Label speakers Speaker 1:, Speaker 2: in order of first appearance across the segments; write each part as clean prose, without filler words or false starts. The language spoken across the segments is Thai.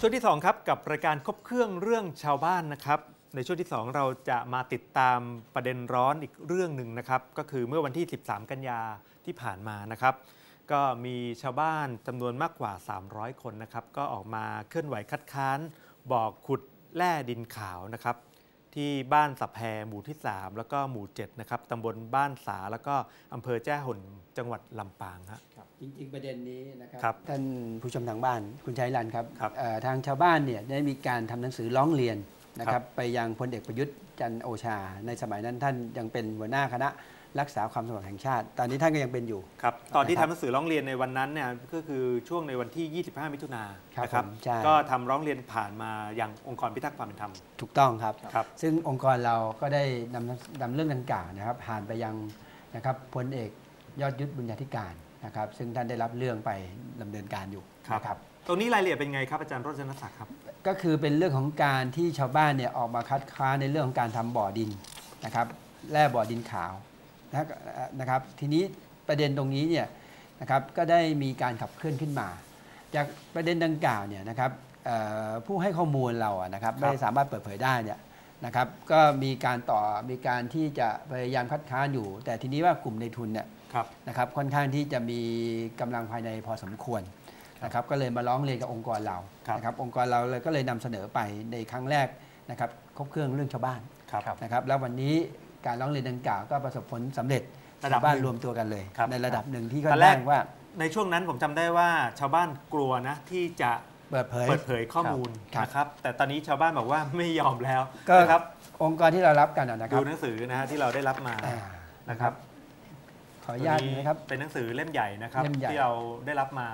Speaker 1: ช่วงที่2ครับกับรายการครบเครื่องเรื่องชาวบ้านนะครับในช่วงที่2เราจะมาติดตามประเด็นร้อนอีกเรื่องหนึ่งนะครับก็คือเมื่อวันที่13กันยาที่ผ่านมานะครับก็มีชาวบ้านจำนวนมากกว่า300คนนะครับก็ออกมาเคลื่อนไหวคัดค้านบ่อขุดแร่ดินขาวนะครับที่บ้านสับแพหมู่ที่3แล้วก็หมู่7นะครับตำบลบ้านสาแล้วก็อำเภอแจ้ห่นจังหวัดลำปางครับ
Speaker 2: จริงๆประเด็นนี้นะครับ
Speaker 1: ท่าน
Speaker 2: ผู้ชมทางบ้านคุณชัยรันครับ
Speaker 1: ครับ
Speaker 2: ทางชาวบ้านเนี่ยได้มีการทำหนังสือร้องเรียนนะครับไปยังพลเอกประยุทธ์จันทร์โอชาในสมัยนั้นท่านยังเป็นหัวหน้าคณะรักษาความสงบแห่งชาติตอนนี้ท่านก็ยังเป็นอยู่
Speaker 1: ครับตอนที่ทำหนังสือร้องเรียนในวันนั้นเนี่ยก็คือช่วงในวันที่ 25 มิถุนายนนะครับก็ทำร้องเรียนผ่านมาอย่างองค์กรพิทักษ์ความเป็นธรรม
Speaker 2: ถูกต้องครับ ซึ่งองค์กรเราก็ได้นำเรื่องดังกล่าวนะครับผ่านไปยังนะครับพลเอกยอดยุทธบุญญาธิการนะครับซึ่งท่านได้รับเรื่องไปดำเนินการอยู่นะครับ
Speaker 1: ตรงนี้รายละเอียดเป็นไงครับอาจารย์โรจนศักดิ์ครับ
Speaker 2: ก็คือเป็นเรื่องของการที่ชาวบ้านเนี่ยออกมาคัดค้านในเรื่องของการทำบ่อดินนะครับแร่บ่อดินขาวนะครับทีนี้ประเด็นตรงนี้เนี่ยนะครับก็ได้มีการขับเคลื่อนขึ้นมาจากประเด็นดังกล่าวเนี่ยนะครับผู้ให้ข้อมูลเรานะครับไม่สามารถเปิดเผยได้เนี่ยนะครับก็มีการที่จะพยายามคัดค้านอยู่แต่ทีนี้ว่ากลุ่มในทุนเนี่ยนะครับค่อนข้างที่จะมีกำลังภายในพอสมควรนะครับก็เลยมาร้องเรียนกับองค์กรเรานะครับองค์กรเราเลยก็เลยนำเสนอไปในครั้งแรกนะครับครบเครื่องเรื่องชาวบ้านนะครับแล้ววันนี้การร้องเรียนดังกล่าวก็ประสบผลสำเร็จชาวบ้านรวมตัวกันเลยในระดับหนึ่งที่ก็แรกว่า
Speaker 1: ในช่วงนั้นผมจำได้ว่าชาวบ้านกลัวนะที่จะเปิดเผยข้อมูลนะครับแต่ตอนนี้ชาวบ้านบอกว่าไม่ยอมแล้วนะครับ
Speaker 2: องค์กรที่เรารับกันนะครับ
Speaker 1: ดูหนังสือนะฮะที่เราได้รับมานะครับ
Speaker 2: ขออนุญาตนะครับ
Speaker 1: เป็นหนังสือเล่มใหญ่นะครับที่เราได้รับมา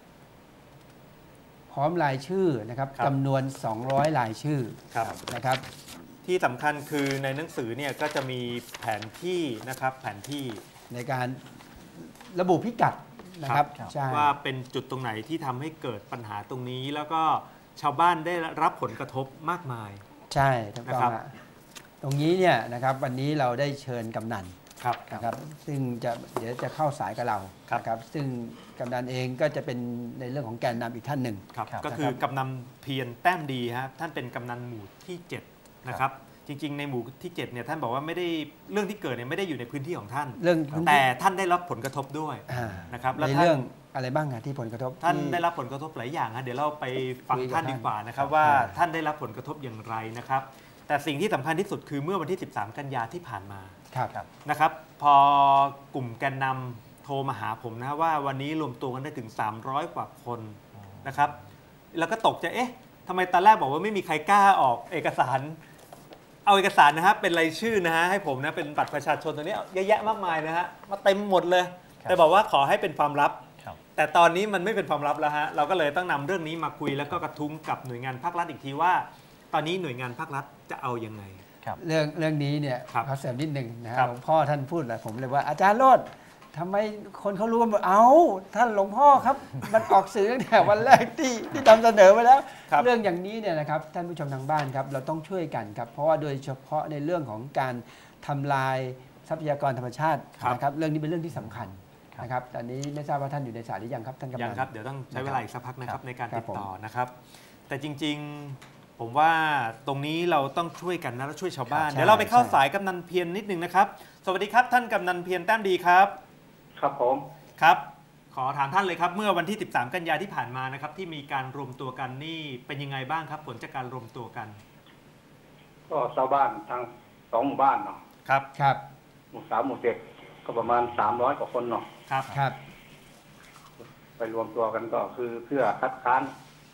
Speaker 2: พร้อมรายชื่อนะครับจำนวน200รายชื่อนะครับ
Speaker 1: ที่สำคัญคือในหนังสือเนี่ยก็จะมีแผนที่นะครับแผนที่
Speaker 2: ในการระบุพิกัดนะครับ
Speaker 1: ว่าเป็นจุดตรงไหนที่ทำให้เกิดปัญหาตรงนี้แล้วก็ชาวบ้านได้รับผลกระทบมากมาย
Speaker 2: ใช่ถูกต้องตรงนี้เนี่ยนะครับวันนี้เราได้เชิญกำนันนะครับซึ่งเดี๋ยวจะเข้าสายกับเราครับซึ่งกำนันเองก็จะเป็นในเรื่องของแกนนำอีกท่านหนึ่ง
Speaker 1: ก็คือกำนันเพียรแต้มดีฮะท่านเป็นกำนันหมู่ที่7นะครับจริงๆในหมู่ที่7เนี่ยท่านบอกว่าไม่ได้เรื่องที่เกิดเนี่ยไม่ได้อยู่ในพื้นที่ของท่านแต่ท่านได้รับผลกระทบด้วยนะครับ
Speaker 2: ในเรื่องอะไรบ้างที่ผลกระทบ
Speaker 1: ท่านได้รับผลกระทบหลายอย่างฮะเดี๋ยวเราไปฟังท่านดีกว่านะครับว่าท่านได้รับผลกระทบอย่างไรนะครับแต่สิ่งที่สำคัญที่สุดคือเมื่อวันที่13กันยาที่ผ่านมานะครับพอกลุ่มแกนนำโทรมาหาผมนะว่าวันนี้รวมตัวกันได้ถึง300กว่าคนนะครับแล้วก็ตกใจเอ๊ะทำไมตอนแรกบอกว่าไม่มีใครกล้าออกเอกสารเอาเอกสารนะฮะเป็นรายชื่อนะฮะให้ผมนะเป็นบัตรประชาชนตัวนี้เยอะแยะมากมายนะฮะมาเต็มหมดเลยแต่บอกว่าขอให้เป็นความลับแต่ตอนนี้มันไม่เป็นความลับแล้วฮะเราก็เลยต้องนำเรื่องนี้มาคุยแล้วก็กระทุ้งกับหน่วยงานภาครัฐอีกทีว่าตอนนี้หน่วยงานภาครัฐจะเอายังไง
Speaker 2: เรื่องนี้เนี่ยขอเสริมนิดหนึ่งนะครับหลวงพ่อท่านพูดแหละผมเลยว่าอาจารย์โรจน์ทำไมคนเขารู้ว่าเอาท่านหลวงพ่อครับมันออกสื่อตั้งแต่วันแรกที่นำเสนอไปแล้วเรื่องอย่างนี้เนี่ยนะครับท่านผู้ชมทางบ้านครับเราต้องช่วยกันครับเพราะว่าโดยเฉพาะในเรื่องของการทำลายทรัพยากรธรรมชาตินะครับเรื่องนี้เป็นเรื่องที่สำคัญนะครับตอนนี้ไม่ทราบว่าท่านอยู่ในสายหรือยังครับท่านกำนัน
Speaker 1: ยังครับเดี๋ยวต้องใช้เวลาอีกสักพักนะครับในการติดต่อนะครับแต่จริงๆผมว่าตรงนี้เราต้องช่วยกันนะและช่วยชาวบ้านเดี๋ยวเราไปเข้าสายกำนันเพียรนิดนึงนะครับสวัสดีครับท่านกำนันเพียรแต้มดีครับ
Speaker 3: ครับผม
Speaker 1: ครับขอถามท่านเลยครับเมื่อวันที่13กันยาที่ผ่านมานะครับที่มีการรวมตัวกันนี่เป็นยังไงบ้างครับผลจากการรวมตัวกัน
Speaker 3: ก็ชาวบ้านทาง2หมู่บ้านเนาะ
Speaker 2: ครับ
Speaker 3: หมู่3หมู่7ก็ประมาณ300กว่าคนเนาะ
Speaker 2: ครับ
Speaker 3: ไปรวมตัวกันก็คือเพื่อคัดค้าน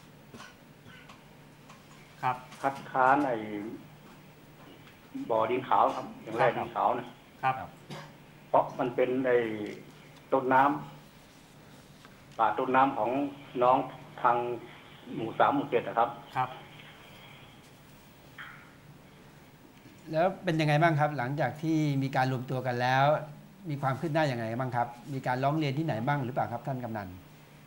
Speaker 3: ไอ้บ่อดินขาวครับอย่างแรกดินขาวนะครับเพราะมันเป็นไอ้ต้นน้ำป่าต้นน้ำของน้องทางหมู่3หมู่7นะครับ
Speaker 2: แล้วเป็นยังไงบ้างครับหลังจากที่มีการรวมตัวกันแล้วมีความคืบหน้าอย่างไรบ้างครับมีการร้องเรียนที่ไหนบ้างหรือเปล่าครับท่านกำนัน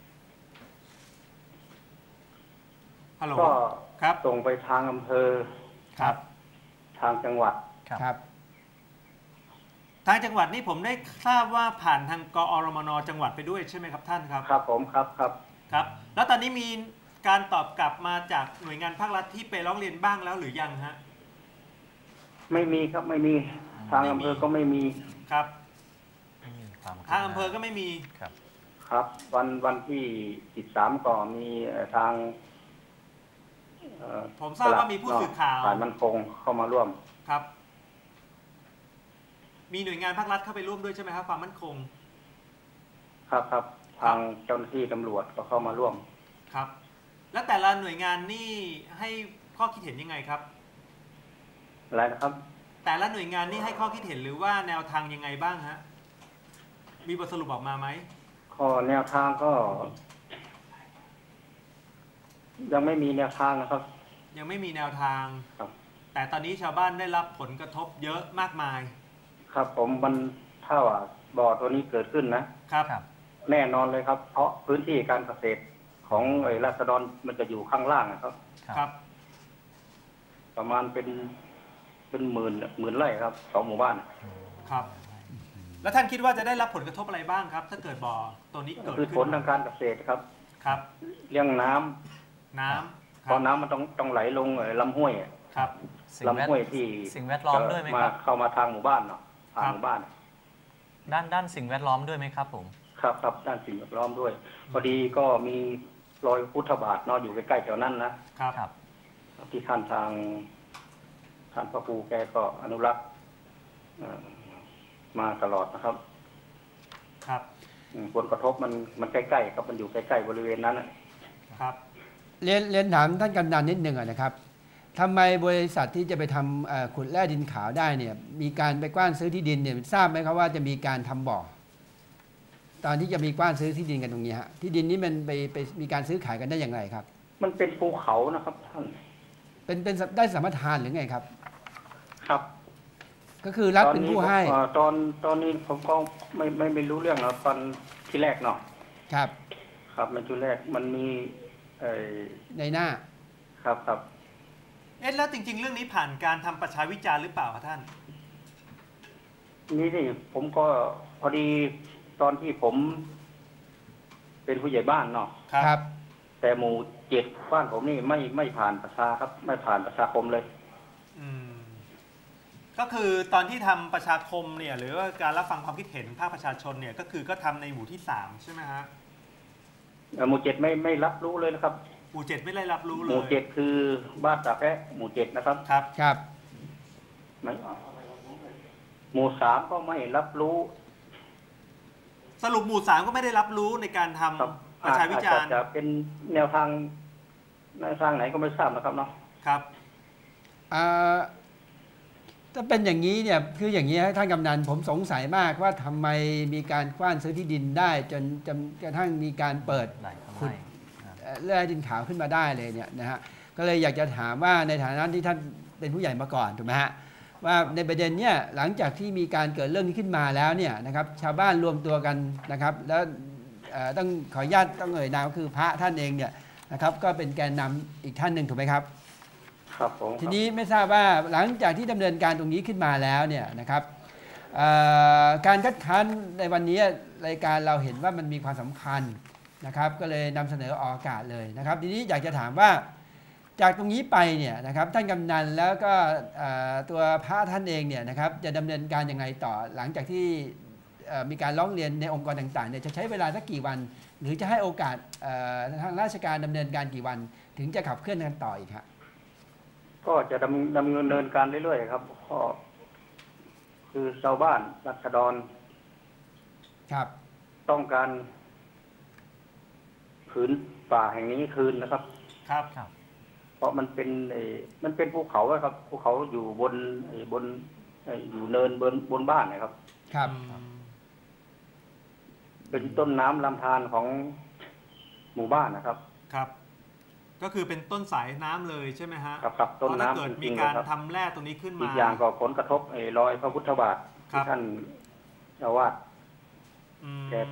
Speaker 3: ก็ส่งไปทางอำเภอทางจังหวัด
Speaker 2: ครับ
Speaker 1: ทางจังหวัดนี่ผมได้ทราบว่าผ่านทางกอรมนจังหวัดไปด้วยใช่ไหมครับท่านครับ
Speaker 3: ครับผมครับ
Speaker 1: แล้วตอนนี้มีการตอบกลับมาจากหน่วยงานภาครัฐที่ไปร้องเรียนบ้างแล้วหรือยังฮะ
Speaker 3: ไม่มีครับไม่มีทางอำเภอก็ไม่มี
Speaker 1: ครับทางอำเภอก็ไม่มี
Speaker 3: ครับครับวันที่13ก็มีทาง
Speaker 1: ผมทราบว่ามีผู้สื่อข่าว
Speaker 3: ฝ่ายมั่นคงเข้ามาร่วม
Speaker 1: ครับมีหน่วยงานภาครัฐเข้าไปร่วมด้วยใช่ไหมครับความมั่นคง
Speaker 3: ครับทางเจ้าหน้าที่ตำรวจก็เข้ามาร่วม
Speaker 1: ครับแล้วแต่ละหน่วยงานนี่ให้ข้อคิดเห็นยังไงครับ
Speaker 3: อะไรนะครับ
Speaker 1: แต่ละหน่วยงานนี่ให้ข้อคิดเห็นหรือว่าแนวทางยังไงบ้างฮะมีบทสรุปออกมาไหม
Speaker 3: ข้อแนวทางก็ยังไม่มีแนวทางนะครับ
Speaker 1: ยังไม่มีแนวทาง
Speaker 3: ครับ
Speaker 1: แต่ตอนนี้ชาวบ้านได้รับผลกระทบเยอะมากมาย
Speaker 3: ครับผมมันถ้าว่าบ่อตัวนี้เกิดขึ้นนะครับแน่นอนเลยครับเพราะพื้นที่การเกษตรของราษฎรมันจะอยู่ข้างล่างนะครับ
Speaker 1: ครับ
Speaker 3: ประมาณเป็นหมื่นไร่ครับ2 หมู่บ้าน
Speaker 1: ครับแล้วท่านคิดว่าจะได้รับผลกระทบอะไรบ้างครับถ้าเกิดบ่อตัวนี้เกิดขึ้น
Speaker 3: คือผลทางการเกษตรครับเรื่องน้ำเพราะน้ำมันต้องไหลลงลำห้วย
Speaker 1: ครับ
Speaker 3: ลำห้วยที่
Speaker 4: สิ่งแวดล้อมด้วยไหมครับ
Speaker 3: เข้ามาทางหมู่บ้านเนาะทางหมู่บ้าน
Speaker 4: ด้านสิ่งแวดล้อมด้วยไหมครับผม
Speaker 3: ครับด้านสิ่งแวดล้อมด้วยพอดีก็มีรอยพุทธบาทเนาะอยู่ใกล้ๆแถวนั้น
Speaker 1: นะครับ
Speaker 3: ที่ท่านพระครูแกก็อนุรักษ์มาตลอดนะครับผลกระทบมันใกล้ๆครับมันอยู่ใกล้ๆบริเวณนั้น
Speaker 1: ครับ
Speaker 2: เรียนถามท่านกำนันนิดนึงนะครับทำไมบริษัทที่จะไปทำขุดแร่ดินขาวได้เนี่ยมีการไปกว้านซื้อที่ดินเนี่ยทราบไหมครับว่าจะมีการทำบ่อตอนที่จะมีกว้านซื้อที่ดินกันตรงนี้ฮะที่ดินนี้มันไปมีการซื้อขายกันได้อย่างไรครับ
Speaker 3: มันเป็นภูเขานะครับท่าน
Speaker 2: เป็นได้สัมปทานหรือไงครับ
Speaker 3: ครับ
Speaker 2: ก็คือรัฐเป็นผู้ให้
Speaker 3: ตอนนี้ผมก็ไม่รู้เรื่องนะตอนที่แรกเนาะครับมันที่แรกมันมี
Speaker 2: ในหน้า
Speaker 3: ครับ
Speaker 1: แล้วจริงๆเรื่องนี้ผ่านการทำประชาวิจารณ์หรือเปล่าครับท่าน
Speaker 3: นี่สิผมก็พอดีตอนที่ผมเป็นผู้ใหญ่บ้านเนาะ
Speaker 2: ครับ
Speaker 3: แต่หมู่7บ้านผมนี่ไม่ผ่านประชาครับไม่ผ่านประชาคมเลย
Speaker 1: ก็คือตอนที่ทำประชาคมเนี่ยหรือว่าการรับฟังความคิดเห็นภาคประชาชนเนี่ยก็คือก็ทำในหมู่ที่3ใช่ไหมฮะ
Speaker 3: หมู่7ไม่รับรู้เลยนะครับ
Speaker 1: หมู่7ไม่ได้รับรู้เลย
Speaker 3: หมู่7คือบ้านตาแพะหมู่7นะครับ
Speaker 2: ครับ
Speaker 3: หมู่3ก็ไม่รับรู้
Speaker 1: สรุปหมู่3ก็ไม่ได้รับรู้ในการทำประชาวิจารณ์
Speaker 3: จะเป็นแนวทางไหนก็ไม่ทราบนะครับเนาะ
Speaker 1: ครับ
Speaker 2: ถ้าเป็นอย่างนี้เนี่ยคืออย่างนี้ท่านกำนันผมสงสัยมากว่าทำไมมีการกว้านซื้อที่ดินได้จนกระทั่งมีการเปิดขุดแร่ดินขาวขึ้นมาได้เลยเนี่ยนะฮะก็เลยอยากจะถามว่าในฐานะที่ท่านเป็นผู้ใหญ่มาก่อนถูกไหมฮะว่าในประเด็นเนี่ยหลังจากที่มีการเกิดเรื่องนี้ขึ้นมาแล้วเนี่ยนะครับชาวบ้านรวมตัวกันนะครับแล้วต้องขออนุญาตต้องเอ่ยนามก็คือพระท่านเองเนี่ยนะครับก็เป็นแกนนำอีกท่านหนึ่งถูกไหมครับทีนี้ไม่ทราบว่าหลังจากที่ดำเนินการตรงนี้ขึ้นมาแล้วเนี่ยนะครับการคัดค้านในวันนี้รายการเราเห็นว่ามันมีความสำคัญนะครับก็เลยนำเสนอออกอากาศเลยนะครับทีนี้อยากจะถามว่าจากตรงนี้ไปเนี่ยนะครับท่านกำนันแล้วก็ตัวพระท่านเองเนี่ยนะครับจะดำเนินการยังไงต่อหลังจากที่มีการร้องเรียนในองค์กรต่างๆเนี่ยจะใช้เวลาสักกี่วันหรือจะให้โอกาสทางราชการดำเนินการกี่วันถึงจะขับเคลื่อนกันต่ออีกครับ
Speaker 3: ก็จะดำเนินการเรื่อยๆครับก็คือชาวบ้านราษฎร
Speaker 2: ครับ
Speaker 3: ต้องการผืนป่าแห่งนี้คืนนะครับเพราะมันเป็นภูเขาครับภูเขาอยู่บนอยู่เนินบนบ้านนะครับเป็นต้นน้ำลำธารของหมู่บ้านนะครับ
Speaker 1: ก็คือเป็นต้นสายน้ำเลยใช่ไหมฮะ
Speaker 3: ครับต้นน้ำ
Speaker 1: ถ้าเกิดมีการทำแร่ตรงนี้ขึ้นมา
Speaker 3: อีกอย่างก็ผลกระทบรอยพระพุทธบาทที่ท่านเจ้าวาดแกไป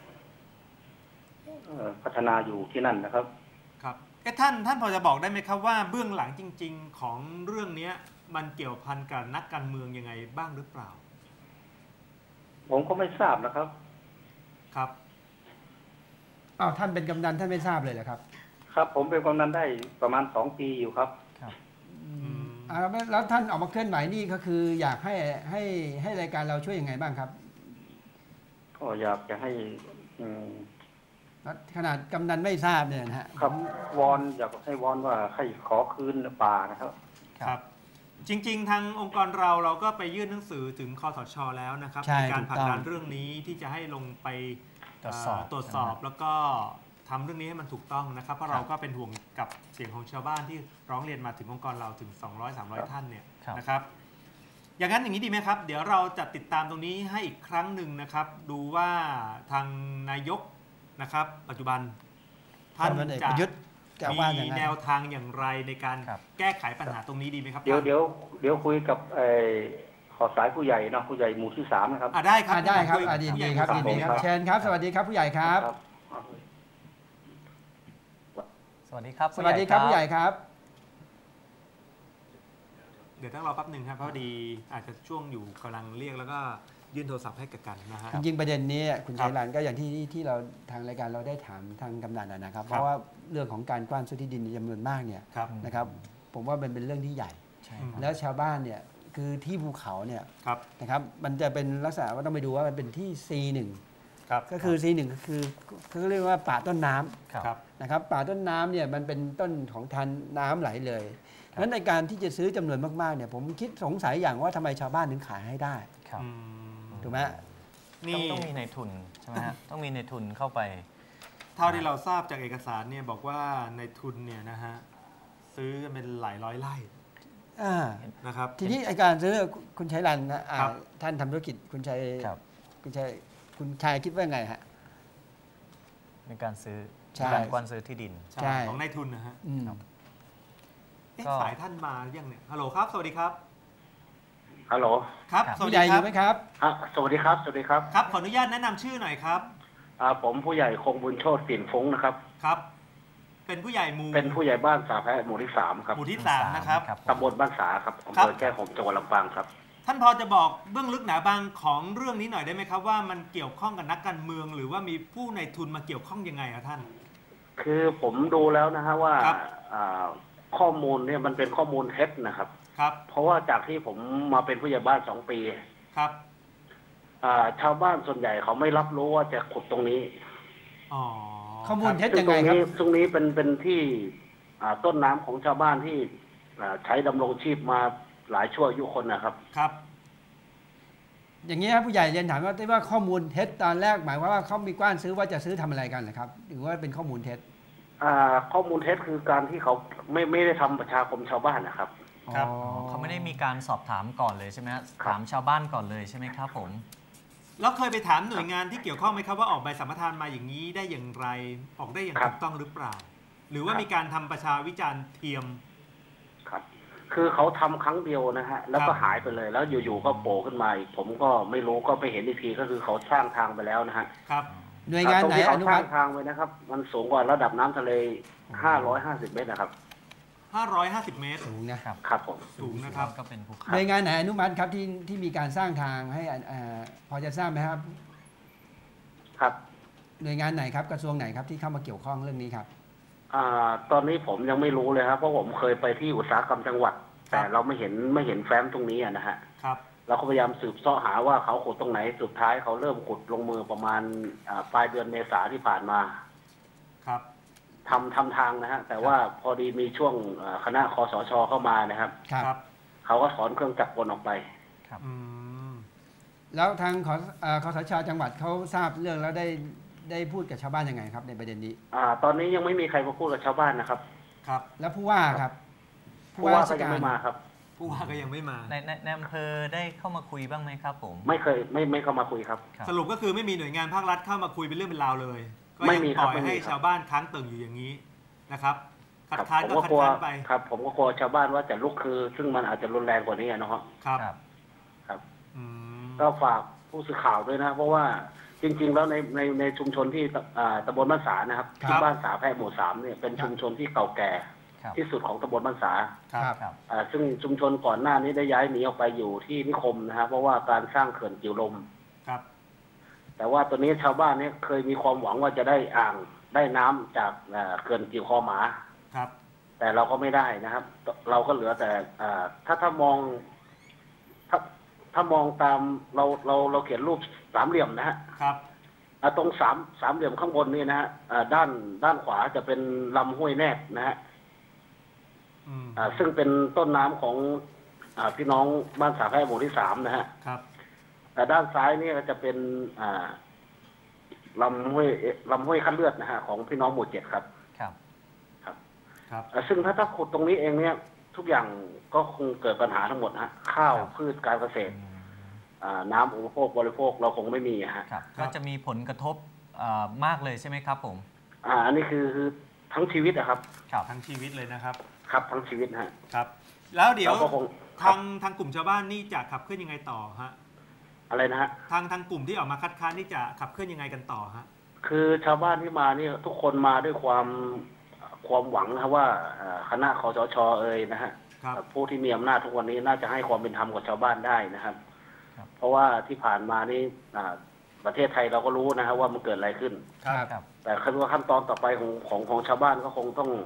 Speaker 3: พัฒนาอยู่ที่นั่นนะครับ
Speaker 1: ครับท่านพอจะบอกได้ไหมครับว่าเบื้องหลังจริงๆของเรื่องนี้มันเกี่ยวพันกับนักการเมืองยังไงบ้างหรือเปล่า
Speaker 3: ผมก็ไม่ทราบนะครับ
Speaker 1: ครับ
Speaker 2: ท่านเป็นกำนันท่านไม่ทราบเลยเหรอครับ
Speaker 3: ครับผมเป็นกำนันได้ประมาณ2 ปีอยู่ครับ
Speaker 2: แล้วท่านออกมาเคลื่อนไหวนี่ก็คืออยากให้รายการเราช่วยยังไงบ้างครับ
Speaker 3: ก็อยากจะให้
Speaker 2: ขนาดกำนันไม่ทราบเนี่ยนะฮะ
Speaker 3: ครับวอนอยากให้วอนว่าให้ขอคืนป่านะครับ
Speaker 1: ครับจริงๆทางองค์กรเราก็ไปยื่นหนังสือถึงคสช.แล้วนะครับในการผลักดันเรื่องนี้ที่จะให้ลงไปตรวจสอบแล้วก็ทำเรื่องนี้ให้มันถูกต้องนะครับเพราะเราก็เป็นห่วงกับเสียงของชาวบ้านที่ร้องเรียนมาถึงองค์กรเราถึง200-300 ท่านเนี่ยนะครับอย่างนั้นอย่างนี้ดีไหมครับเดี๋ยวเราจะติดตามตรงนี้ให้อีกครั้งหนึ่งนะครับดูว่าทางนายกนะครับปัจจุบันท่านจะมีแนวทางอย่างไรในการแก้ไขปัญหาตรงนี้ดีไหมครับ
Speaker 3: เดี๋ยวคุยกับขอสายผู้ใหญ่นะผู้ใหญ่หมู่ที่3นะครับ
Speaker 1: ได้ครับ
Speaker 2: ได้ครับยินดีครับยินดีครับเชิญครับสวัสดีครับผู้ใหญ่ครับ
Speaker 4: สวัสดีครับ
Speaker 2: สวัสดีครับผู้ใหญ่ครับ
Speaker 1: เดี๋ยวต้องรอแป๊บหนึ่งครับเพราะดีอาจจะช่วงอยู่กำลังเรียกแล้วก็ยื่นโทรศัพท์ให้กันนะฮะ
Speaker 2: จริงๆประเด็นนี้คุณชัยรันก็อย่างที่เราทางรายการเราได้ถามทางกำนันนะครับเพราะว่าเรื่องของการกว้านซื้อที่ดินจำนวนมากเนี่ยนะครับผมว่ามันเป็นเรื่องที่ใหญ่แล้วชาวบ้านเนี่ยคือที่ภูเขาเนี่ยนะครับมันจะเป็นลักษณะว่าต้องไปดูว่ามันเป็นที่ C1 ก็คือ C1 ก็คือเขาเรียกว่าป่าต้นน้ำนะครับป่าต้นน้ำเนี่ยมันเป็นต้นของทานน้ำไหลเลยเพราะฉะนั้นในการที่จะซื้อจำนวนมากๆเนี่ยผมคิดสงสัยอย่างว่าทำไมชาวบ้านถึงขายให้ได้ถูกไหม
Speaker 4: ต้องมีในทุนใช่ไหมฮะต้องมีในทุนเข้าไป
Speaker 1: เท่าที่เราทราบจากเอกสารเนี่ยบอกว่าในทุนเนี่ยนะฮะซื้อกันเป็นหลายร้อยไร่นะครับ
Speaker 2: ทีนี้การซื้อคุณชัยรันนะท่านทำธุรกิจคุณชัยคิดว่าไงฮะ
Speaker 4: ในการซื้อการกว้านซื้อที่ดิน
Speaker 1: ของนายทุนนะฮะสายท่านมายังเนี่ยฮัลโหลครับสวัสดีครับ
Speaker 3: ฮัลโหล
Speaker 1: ครับ
Speaker 2: ผู้ใหญ่อยู่ไหมครับ
Speaker 3: สวัสดีครับสวัสดีครับ
Speaker 1: ครับขออนุญาตแนะนำชื่อหน่อยครับ
Speaker 3: ผมผู้ใหญ่คงบุญโชติสินฟุ้งนะครับ
Speaker 1: ครับเป็นผู้ใหญ่
Speaker 3: บ้านสาแพะหมู่ที่3ครับ
Speaker 1: หมู่ที่3นะครับ
Speaker 3: ตำบลบ้านสาครับอำเภอแก้ห่มจังหวัดลำปางครับ
Speaker 1: ท่านพอจะบอกเบื้องลึกหนาบางของเรื่องนี้หน่อยได้ไหมครับว่ามันเกี่ยวข้องกับนักการเมืองหรือว่ามีผู้ในทุนมาเกี่ยวข้องยังไงครับท่าน
Speaker 3: คือผมดูแล้วนะฮะว่าข้อมูลเนี่ยมันเป็นข้อมูลเท็จนะครับเพราะว่าจากที่ผมมาเป็นผู้ใหญ่บ้าน2 ปี
Speaker 1: ครับ
Speaker 3: ชาวบ้านส่วนใหญ่เขาไม่รับรู้ว่าจะขุดตรงนี้
Speaker 2: ข้อมูลเท็จยังไงครับ
Speaker 3: ตรงนี้เป็นที่ต้นน้ำของชาวบ้านที่ใช้ดำรงชีพมาหลายชั่วอายุคนนะครับ
Speaker 1: ครับ
Speaker 2: อย่างนี้ครับผู้ใหญ่เรียนถามว่าข้อมูลเท็จตอนแรกหมายว่าเขามีกว้านซื้อว่าจะซื้อทำอะไรกันเหรอครับหรือว่าเป็นข้อมูลเท็จ
Speaker 3: ข้อมูลเท็จคือการที่เขาไม่ได้ทำประชาคมชาวบ้านนะครับ
Speaker 4: เขาไม่ได้มีการสอบถามก่อนเลยใช่ไหมถามชาวบ้านก่อนเลยใช่ไหมครับผม
Speaker 1: แล้วเคยไปถามหน่วยงานที่เกี่ยวข้องไหมครับว่าออกใบสัมปทานมาอย่างนี้ได้อย่างไรออกได้อย่างถูกต้องหรือเปล่าหรือว่ามีการทำประชาวิจารณ์เทียม
Speaker 3: ครับคือเขาทำครั้งเดียวนะฮะแล้วก็หายไปเลยแล้วอยู่ๆก็โผล่ขึ้นมาอีกผมก็ไม่รู้ก็ไปเห็นอีกทีก็คือเขาสร้างทางไปแล้วนะฮะ
Speaker 1: ครับ
Speaker 2: หน่วยงานไหนอนุมัติ
Speaker 3: ทางไว้นะครับมันสูงกว่าระดับน้ำทะเล550 เมตรนะครับ
Speaker 1: 550 เมตร
Speaker 2: สูงนะครับ
Speaker 3: ครับผม
Speaker 1: สูงนะครับ
Speaker 4: ก็เป็นภูเขา
Speaker 2: หน่วยงานไหนอนุมัติครับที่มีการสร้างทางให้พอจะทราบไหมครับ
Speaker 3: ครับ
Speaker 2: หน่วยงานไหนครับกระทรวงไหนครับที่เข้ามาเกี่ยวข้องเรื่องนี้ครับ
Speaker 3: ตอนนี้ผมยังไม่รู้เลยครับเพราะผมเคยไปที่อุตสาหกรรมจังหวัดแต่เราไม่เห็นแฟ้มตรงนี้นะฮะ
Speaker 1: ครับ
Speaker 3: เราก็พยายามสืบเสาะหาว่าเขาขุดตรงไหนสุดท้ายเขาเริ่มขุดลงมือประมาณปลายเดือนเมษาที่ผ่านมา
Speaker 1: ครับ
Speaker 3: ทำทางนะฮะแต่ว่าพอดีมีช่วงคณะคสช.เข้ามานะครับเขาก็ถอนเครื่องจักรกลออกไป
Speaker 4: ครับ
Speaker 2: แล้วทางคสช.จังหวัดเขาทราบเรื่องแล้วได้พูดกับชาวบ้านยังไงครับในประเด็นนี้
Speaker 3: ตอนนี้ยังไม่มีใครมาพูดกับชาวบ้านนะครับ
Speaker 1: ครับ
Speaker 2: แล้วผู้ว่าครับ
Speaker 3: ผู้ว่าก็ยังไม่มาครับ
Speaker 1: ผู้ว่าก็ยังไม่มา
Speaker 4: ในอำเภอได้เข้ามาคุยบ้างไหมครับผม
Speaker 3: ไม่เคยไม่เข้ามาคุยครับ
Speaker 1: สรุปก็คือไม่มีหน่วยงานภาครัฐเข้ามาคุยเป็นเรื่องเป็นราวเลยก็ยังปล่อยให้ชาวบ้านค้างตึงอยู่อย่างนี้นะครับคัดค้านก็คัดค้านไป
Speaker 3: ครับผมก็กลัวชาวบ้านว่าจะลุกคือซึ่งมันอาจจะรุนแรงกว่านี้นะครับครับก็ฝากผู้สื่อข่าวด้วยนะเพราะว่าจริงๆแล้วในชุมชนที่ตำบลบ้านสานะครับที่บ้านสาแพร่หมู่3เนี่ยเป็นชุมชนที่เก่าแก่ที่สุดของตำบลบ้านสาซึ่งชุมชนก่อนหน้านี้ได้ย้ายหนีออกไปอยู่ที่นิคมนะครับเพราะว่าการสร้างเขื่อนกิ่วลมแต่ว่าตอนนี้ชาวบ้านเนี่ยเคยมีความหวังว่าจะได้อ่าง
Speaker 5: ได้น้ำจากเขื่อนกิ่วคอหมา
Speaker 1: ครับ
Speaker 5: แต่เราก็ไม่ได้นะครับ เราก็เหลือแต่ถ้ามองถ้ามองตามเราเขียนรูปสามเหลี่ยมนะฮะ
Speaker 1: ครับ
Speaker 5: ตรงสามเหลี่ยมข้างบนนี่นะฮะด้านขวาจะเป็นลำห้วยแนบนะฮะซึ่งเป็นต้นน้ำของพี่น้องบ้านสาแพร่หมู่ที่3นะฮะ
Speaker 1: ครับ
Speaker 5: แต่ด้านซ้ายนี่ก็จะเป็นลำห้วยคั้นเลือดนะฮะของพี่น้องหมู่7ครับ
Speaker 4: ครับ
Speaker 1: ครับ
Speaker 5: ซึ่งถ้าขุดตรงนี้เองเนี่ยทุกอย่างก็คงเกิดปัญหาทั้งหมดฮะข้าวพืชการเกษตรน้ำอุปโภคบริโภคเราคงไม่มีฮะ
Speaker 4: ก็จะมีผลกระทบมากเลยใช่ไหมครับผม
Speaker 5: อันนี้คือทั้งชีวิตนะครับ
Speaker 1: ทั้งชีวิตเลยนะครับ
Speaker 5: ครับทั้งชีวิตฮะ
Speaker 1: ครับแล้วเดี๋ยวทางกลุ่มชาวบ้านนี่จะขับเคลื่อนยังไงต่อฮะ
Speaker 5: อะไรนะฮะ
Speaker 1: ทางกลุ่มที่ออกมาคัดค้านนี่จะขับเคลื่อนยังไงกันต่อฮะ
Speaker 5: คือชาวบ้านที่มานี่ทุกคนมาด้วยความหวังนะว่าคณะคสช.นะฮะผู้ที่มีอำนาจทุกวันนี้น่าจะให้ความเป็นธรรมกับชาวบ้านได้นะครับเพราะว่าที่ผ่านมานี่ประเทศไทยเราก็รู้นะครับว่ามันเกิดอะไรขึ้นแต่ขั้นตอนต่อไปของชาวบ้านก็คงต้อง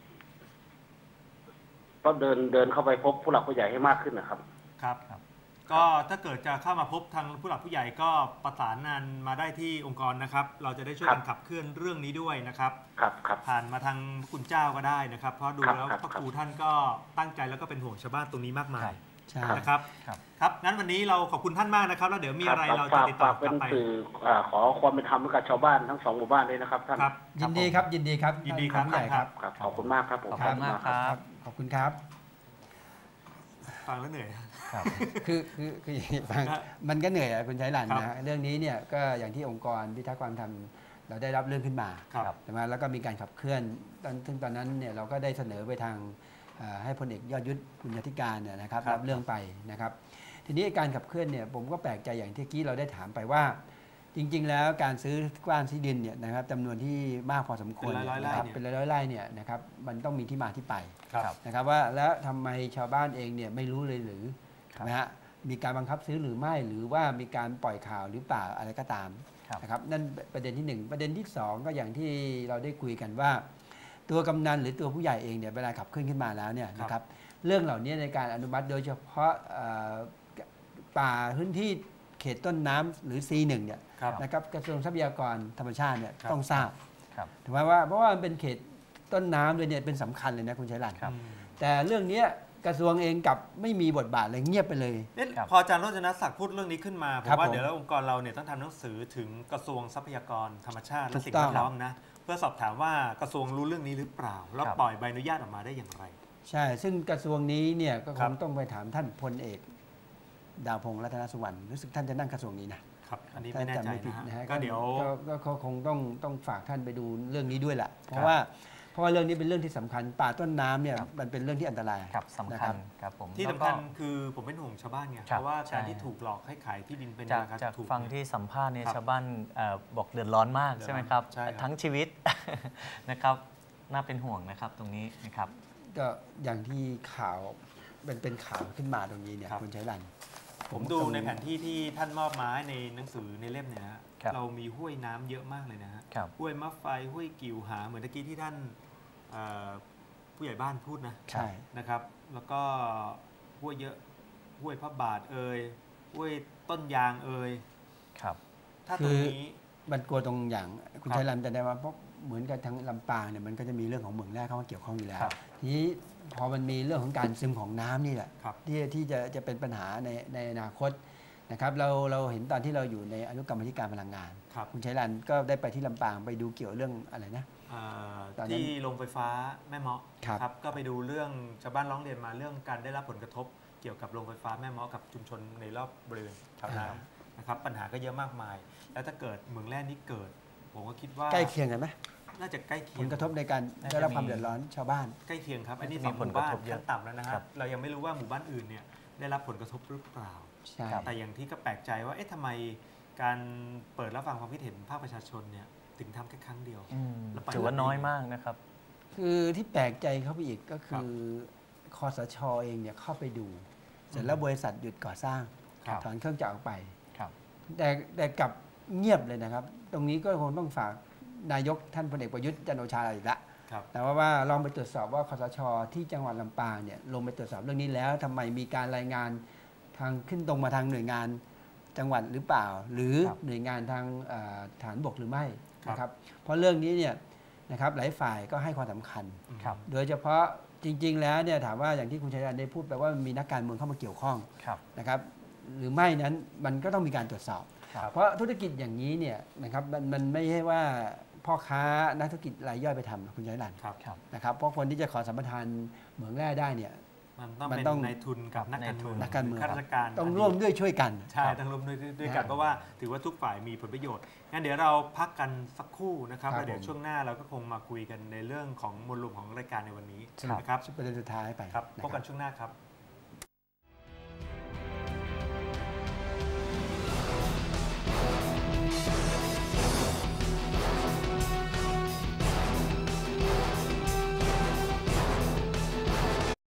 Speaker 5: เดินเข้าไปพบผู้หลักผู้ใหญ่ให้มากขึ้นนะครับ
Speaker 1: ครับก็ถ้าเกิดจะเข้ามาพบทางผู้หลักผู้ใหญ่ก็ประสานงานมาได้ที่องค์กรนะครับเราจะได้ช่วยกันขับเคลื่อนเรื่องนี้ด้วยนะครับผ่านมาทางคุณเจ้าก็ได้นะครับเพราะดูแล้วพระครูท่านก็ตั้งใจแล้วก็เป็นห่วงชาวบ้านตรงนี้มากมายนะครับครับงั้นวันนี้เราขอบคุณท่านมากนะครับแล้วเดี๋ยวมีอะไรเราจะติดต่อกลับไป
Speaker 5: ขอความเป็นธรรมกับชาวบ้านทั้ง2หมู่บ้านเลยนะครับท่าน
Speaker 2: ยินดีครับยินดีครับ
Speaker 1: ยินดีครับ
Speaker 5: ใหญ่ครับขอบคุณมากครับ
Speaker 4: ขอบคุณมากครับ
Speaker 2: ขอบคุณครับ
Speaker 1: ฟังแล้วเหนื่อย
Speaker 2: คือฟังมันก็เหนื่อยคุณชัยหลันนะเรื่องนี้เนี่ยก็อย่างที่องค์กรพิทักษ์ความธรรมเราได้รับเรื่องขึ้นมาใช่ไหมแล้วก็มีการขับเคลื่อนซึ่งตอนนั้นเนี่ยเราก็ได้เสนอไปทางให้พลเอกยอดยุทธบุญญาธิการเนี่ยนะครับรับเรื่องไปนะครับทีนี้การขับเคลื่อนเนี่ยผมก็แปลกใจอย่างที่กี้เราได้ถามไปว่าจริงๆแล้วการซื้อกว้านที่ดินเนี่ยนะครับจำนวนที่มากพอสมควรนะครับเป็นร้อยไร่เนี่ยนะครับมันต้องมีที่มาที่ไปนะครับว่าแล้วทำไมชาวบ้านเองเนี่ยไม่รู้เลยหรือนะฮะมีการบังคับซื้อหรือไม่หรือว่ามีการปล่อยข่าวหรือเปล่าอะไรก็ตามนะครับนั่นประเด็นที่1ประเด็นที่2ก็อย่างที่เราได้คุยกันว่าตัวกำนันหรือตัวผู้ใหญ่เองเนี่ยเวลาขับเคลื่อนขึ้นมาแล้วเนี่ยนะครับเรื่องเหล่านี้ในการอนุมัติโดยเฉพาะป่าพื้นที่เขตต้นน้ำหรือ C1 เนี่ยนะครับกระทรวงทรัพยากรธรรมชาติเนี่ยต้องทราบถูกไหมว่าเพราะว่ามันเป็นเขตต้นน้ำด้วยเนี่ยเป็นสำคัญเลยนะคุณชัยรัตน์แต่เรื่องนี้กระทรวงเองกับไม่มีบทบาทเลยเงียบไปเลย
Speaker 1: พออาจารย์โรจนศักดิ์พูดเรื่องนี้ขึ้นมาผมว่าเดี๋ยวองค์กรเราเนี่ยต้องทำหนังสือถึงกระทรวงทรัพยากรธรรมชาติและสิ่งแวดล้อมนะเพื่อสอบถามว่ากระทรวงรู้เรื่องนี้หรือเปล่าแล้วปล่อยใบอนุญาตออกมาได้อย่างไร
Speaker 2: ใช่ซึ่งกระทรวงนี้เนี่ยก็คงต้องไปถามท่านพลเอกดาวพงษ์รัตนสุวรรณรู้สึกท่านจะนั่งกระทรวงนี้นะครับ
Speaker 1: อันนี้ไม่แน่ใจนะ
Speaker 2: ก็เดี๋ยวก็คงต้องฝากท่านไปดูเรื่องนี้ด้วยแหละเพราะว่าเรื่องนี้เป็นเรื่องที่สำคัญป่าต้นน้ำเนี่ยมันเป็นเรื่องที่อันตราย
Speaker 4: สำคัญครับผม
Speaker 1: ที่สำคัญคือผมเป็นห่วงชาวบ้านไงเพราะว่าการที่ถูกหลอกให้ขายที่ดินเป็นราคา
Speaker 4: ถูกฟังที่สัมภาษณ์เนี่ยชาวบ้านบอกเดือดร้อนมากใช่ไหมครับทั้งชีวิตนะครับน่าเป็นห่วงนะครับตรงนี้นะครับ
Speaker 2: ก็อย่างที่ข่าวเป็นข่าวขึ้นมาตรงนี้เนี่ยคุณชัยรัตน์
Speaker 1: ผมดูในแผนที่ที่ท่านมอบมาในหนังสือในเล่มเนี่ยเรามีห้วยน้ำเยอะมากเลยนะฮะห้วยมะไฟห้วยกิ่วหาเหมือนตะกี้ที่ท่านผู้ใหญ่บ้านพูดนะ
Speaker 2: ใช่
Speaker 1: นะครับแล้วก็ห้วยเยอะห้วยพระบาทห้วยต้นยาง
Speaker 2: ครับ
Speaker 1: ถ้าตรงนี้
Speaker 2: มันกลัวตรงอย่างคุณชัยรัตน์แต่ได้ว่าเพราะเหมือนกับทางลำปางเนี่ยมันก็จะมีเรื่องของเหมืองแร่เข้ามาเกี่ยวข้องอยู่แล้วทีนี้พอมันมีเรื่องของการซึมของน้ำนี่แหละที่จะเป็นปัญหาในอนาคตนะครับเราเห็นตอนที่เราอยู่ในอนุกรรมธิการพลังงานคุณชัยรัตน์ก็ได้ไปที่ลำปางไปดูเกี่ยวเรื่องอะไรนะ
Speaker 1: ที่โรงไฟฟ้าแม่เมาะครับก็ไปดูเรื่องชาวบ้านร้องเรียนมาเรื่องการได้รับผลกระทบเกี่ยวกับโรงไฟฟ้าแม่เมาะกับชุมชนในรอบบริเวณแถวนั้นนะครับปัญหาก็เยอะมากมายแล้วถ้าเกิดเหมืองแร่นี้เกิดผมก็คิดว่า
Speaker 2: ใกล้เคียงกันไหม
Speaker 1: น่าจะใกล้เคียง
Speaker 2: ผลกระทบในการได้รับความเดือดร้อนชาวบ้าน
Speaker 1: ใกล้เคียงครับอันนี้2หมู่บ้านขั้นต่ำแล้วนะครับเรายังไม่รู้ว่าหมู่บ้านอื่นเนี่ยได้รับผลกระทบหรือเปล่าแต่อย่างที่ก็แปลกใจว่าทำไมการเปิดรับฟังความคิดเห็นภาคประชาชนเนี่ยถึงทำแค่ครั้งเดียว
Speaker 4: ถือว่าน้อยมากนะครับ
Speaker 2: คือที่แปลกใจเข้าไปอีกก็คือคสช.เองเนี่ยเข้าไปดูเสร็จแล้วบริษัทหยุดก่อสร้างถอนเครื่องจักรออกไปแต่กลับเงียบเลยนะครับตรงนี้ก็คงต้องฝากนายกท่านพลเอกประยุทธ์จันทร์โอชาอีกละ
Speaker 1: ครับ
Speaker 2: แต่ว่าลองไปตรวจสอบว่าคสช.ที่จังหวัดลำปางเนี่ยลงไปตรวจสอบเรื่องนี้แล้วทำไมมีการรายงานทางขึ้นตรงมาทางหน่วยงานจังหวัดหรือเปล่า หรือ
Speaker 4: ครับ
Speaker 2: หน่วยงานทางฐานบกหรือไม่
Speaker 1: ครับ
Speaker 2: นะครับเพราะเรื่องนี้เนี่ยนะครับหลายฝ่ายก็ให้ความสำคัญ
Speaker 4: ครับ
Speaker 2: โดยเฉพาะจริง ๆ แล้วเนี่ยถามว่าอย่างที่คุณชัยรัตน์ได้พูดไปว่ามันมีนักการเมืองเข้ามาเกี่ยวข้อง
Speaker 4: ครับ
Speaker 2: นะครับหรือไม่นั้นมันก็ต้องมีการตรวจสอบ
Speaker 4: ครับ
Speaker 2: เพราะธุรกิจอย่างนี้เนี่ยนะครับมันไม่ใช่ว่าพ่อค้านักธุรกิจรายย่อยไปทำนะคุณชัยรัตน์
Speaker 1: ครับ
Speaker 4: ครับ
Speaker 2: นะครับเพราะคนที่จะขอสัมปทานเหมืองแร่ได้เนี่ย
Speaker 1: มัน
Speaker 2: มัน
Speaker 1: เป็น
Speaker 2: ต้อง
Speaker 1: นายทุนกับนักการเมือง
Speaker 2: นักการเมือง
Speaker 1: ข้าราชการ
Speaker 2: ต้องร่วมด้วยช่วยกัน
Speaker 1: ใช่ต้องร่วมด้วยกันเพราะว่าถือว่าทุกฝ่ายมีผลประโยชน์งั้นเดี๋ยวเราพักกันสักครู่นะครับ
Speaker 2: ครับ
Speaker 1: แล้วเดี๋ยว
Speaker 2: ผม
Speaker 1: ช่วงหน้าเราก็คงมาคุยกันในเรื่องของมวลรวมของรายการในวันนี้
Speaker 2: สำหรับ
Speaker 1: นะครับ
Speaker 2: ประเด็นสุดท้ายไป
Speaker 1: ครับ
Speaker 2: นะ
Speaker 1: พบกันช่วงหน้าครับ